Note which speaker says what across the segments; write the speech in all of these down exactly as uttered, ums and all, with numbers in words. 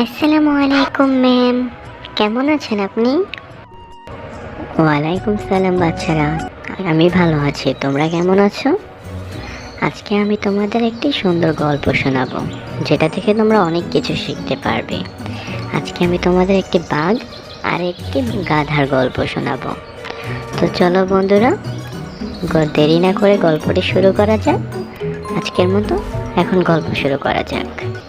Speaker 1: আসসালামু আলাইকুম ম্যাম, কেমন আছেন আপনি? ওয়ালাইকুম সালাম বাচ্চারা, আমি ভালো আছি। তোমরা কেমন আছো? আজকে আমি তোমাদের একটি সুন্দর গল্প শোনাবো, যেটা থেকে তোমরা অনেক কিছু শিখতে পারবে। আজকে আমি তোমাদের একটি বাঘ আর একটি গাধার গল্প শোনাবো। তো চলো বন্ধুরা, দেরি না করে গল্পটি শুরু করা যাক। আজকের মতো এখন গল্প শুরু করা যাক।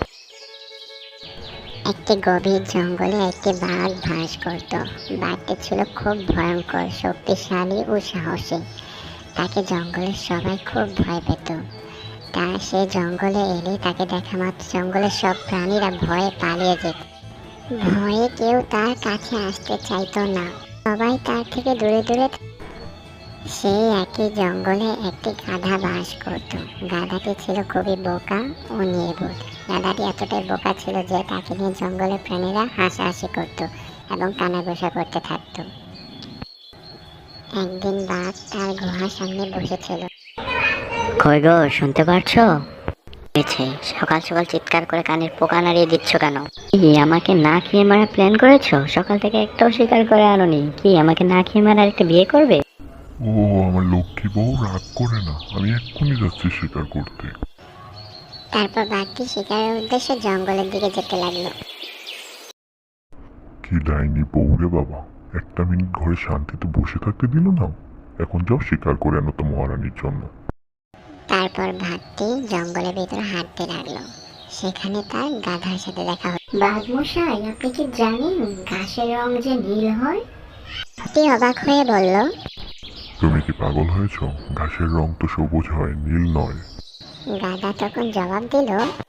Speaker 1: একটি গভীর জঙ্গলে একটি বাঘ বাস করত। বাঘটি ছিল খুব ভয়ঙ্কর, শক্তিশালী ও সাহসী। তাকে জঙ্গলের সবাই খুব ভয় পেত। তা সে জঙ্গলে এলে তাকে দেখা মাত্র জঙ্গলের সব প্রাণীরা ভয়ে পালিয়ে যেত। ভয়ে কেউ তার কাছে আসতে চাইতো না, সবাই তার থেকে দূরে দূরে। সেই একই জঙ্গলে একটি গাধা বাস করত। গাধাটি ছিল খুবই বোকা ও নির্বোধ। গাধাটি এতটাই বোকা ছিল যে তাকে নিয়ে জঙ্গলের প্রাণীরা হাসাহাসি করত এবং কানাঘুষা করতে থাকত। একদিন বাঘ তার গুহার সামনে বসেছিল। কই গো, শুনতে পারছো? সকাল সকাল চিৎকার করে কানের পোকা নাড়িয়ে দিচ্ছ কেন? কি আমাকে না খেয়ে মারা প্ল্যান করেছো? সকাল থেকে একটাও শিকার করে আনোনি। কি আমাকে না খেয়ে মারা একটা বিয়ে করবে?
Speaker 2: ও আমার লক্ষ্মী বউ, রাগ করে না, আমি এক্ষুনি যাচ্ছি শিকার করতে।
Speaker 1: তারপর বাঘটি শিকারের উদ্দেশ্যে জঙ্গলের দিকে যেতে লাগলো।
Speaker 2: কি ডাইনি বউ রে বাবা, একটা মিনিট ঘরে শান্তিতে বসে থাকতে দিল না। এখন যাও শিকার করে আনো তো মহারানীর জন্য।
Speaker 1: তারপর বাঘটি জঙ্গলের ভিতরে হাঁটতে লাগলো। সেখানে তার গাধার সাথে দেখা হলো। বাঘ মশাই, আপনি কি জানেন ঘাসের রং যে নীল হয়? হাতি অবাক হয়ে বলল,
Speaker 2: তুমি কি পাগল হয়েছ? ঘাসের রং তো সবুজ হয়, নীল নয়।
Speaker 1: গাধা তখন জবাব দিল,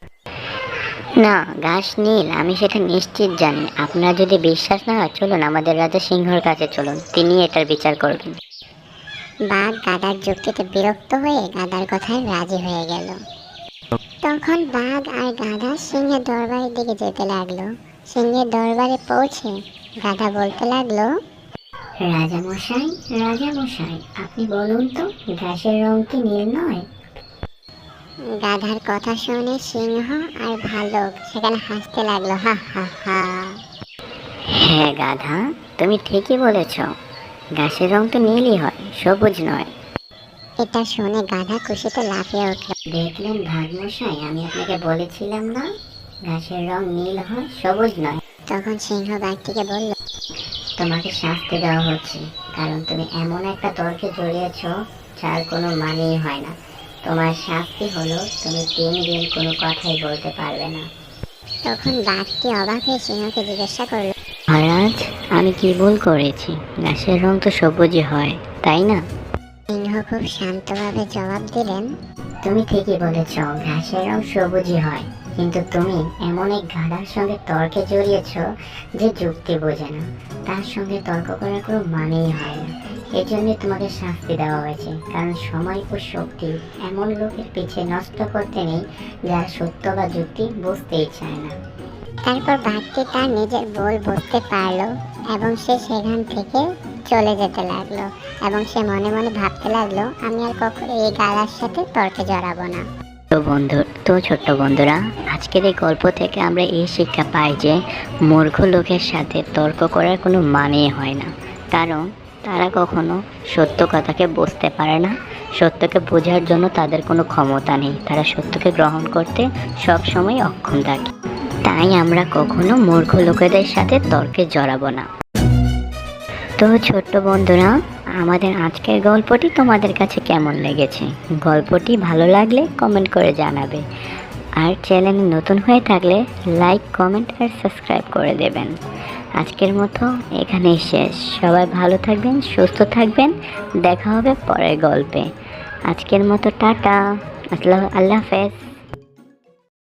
Speaker 1: না, ঘাস নীল আমি সেটা নিশ্চিত জানি। আপনার যদি বিশ্বাস না হয় চলুন আমাদের রাজা সিংহর কাছে চলুন, তিনি এটার বিচার করবেন। বাঘ গাধার যুক্তিতে বিরক্ত হয়ে গাধার কথায় রাজি হয়ে গেল। তখন বাঘ আর গাধা সিংহের দরবারের দিকে যেতে লাগলো। সিংহের দরবারে পৌঁছে গাধা বলতে লাগলো, রাজা মশাই, রাজা মশাই, আপনি বলুন তো ঘাসের রং কি নীল নয়? গাধার কথা শুনে সিংহ আর ভালুক সেখানে হাসতে লাগলো, হা হা হা। হ্যাঁ গাধা, তুমি ঠিকই বলেছ, ঘাসের রং তো নীলই হয়, সবুজ নয়। এটা শুনে গাধা খুশিতে লাফিয়ে উঠল। দেখলেন ভাগ মশাই, আমি আপনাকে বলেছিলাম না ঘাসের রং নীল হয়, সবুজ নয়। তখন সিংহ বাঘটিকে বলল, তোমাকে শাস্তি দেওয়া হচ্ছে, কারণ তুমি এমন একটা তর্কে জড়িয়েছ যার কোনো মানেই হয় না। তোমার শাস্তি হলো তুমি তিন দিন কোনো কথাই বলতে পারবে না। তখন বাঘটি অবাক হয়ে সিংহকে জিজ্ঞাসা করল, মহারাজ, আমি কি ভুল করেছি? ঘাসের রং তো সবুজই হয়, তাই না? সিংহ খুব শান্তভাবে জবাব দিলেন, তুমি ঠিকই বলেছ, ঘাসের রং সবুজই হয়, কিন্তু তুমি এমন এক গাধার সঙ্গে তর্কে জড়িয়েছ যে যুক্তি বোঝে না। তার সঙ্গে তর্ক করার কোনো মানেই হয় না। এই জন্য তোমাকে শাস্তি দেওয়া হয়েছে, কারণ সময় ও শক্তি এমন লোকের পিছে নষ্ট করতে নেই যারা সত্য বা যুক্তি বুঝতেই চায় না। তারপর বাঘটি তার নিজের ভুল বুঝতে পারলো এবং সে সেখান থেকে চলে যেতে লাগলো এবং সে মনে মনে ভাবতে লাগলো, আমি আর কখনো এই গাধার সাথে তর্কে জড়াবো না। তো বন্ধু তো ছোট্ট বন্ধুরা, আজকের এই গল্প থেকে আমরা এই শিক্ষা পাই যে মূর্খ লোকের সাথে তর্ক করার কোনো মানেই হয় না, কারণ তারা কখনো সত্য কথাকে বুঝতে পারে না। সত্যকে বোঝার জন্য তাদের কোনো ক্ষমতা নেই, তারা সত্যকে গ্রহণ করতে সবসময় অক্ষম থাকে। তাই আমরা কখনো মূর্খ লোকেদের সাথে তর্কে জড়াবো না। তো ছোট্ট বন্ধুরা, আমাদের আজকের গল্পটি তোমাদের কাছে কেমন লেগেছে? গল্পটি ভালো লাগলে কমেন্ট করে জানাবে, আর চ্যানেলে নতুন হয়ে থাকলে লাইক, কমেন্ট আর সাবস্ক্রাইব করে দেবেন। আজকের মতো এখানেই শেষ। সবাই ভালো থাকবেন, সুস্থ থাকবেন, দেখা হবে পরের গল্পে। আজকের মতো টাটা, আল্লাহ আল্লাহ হাফেজ।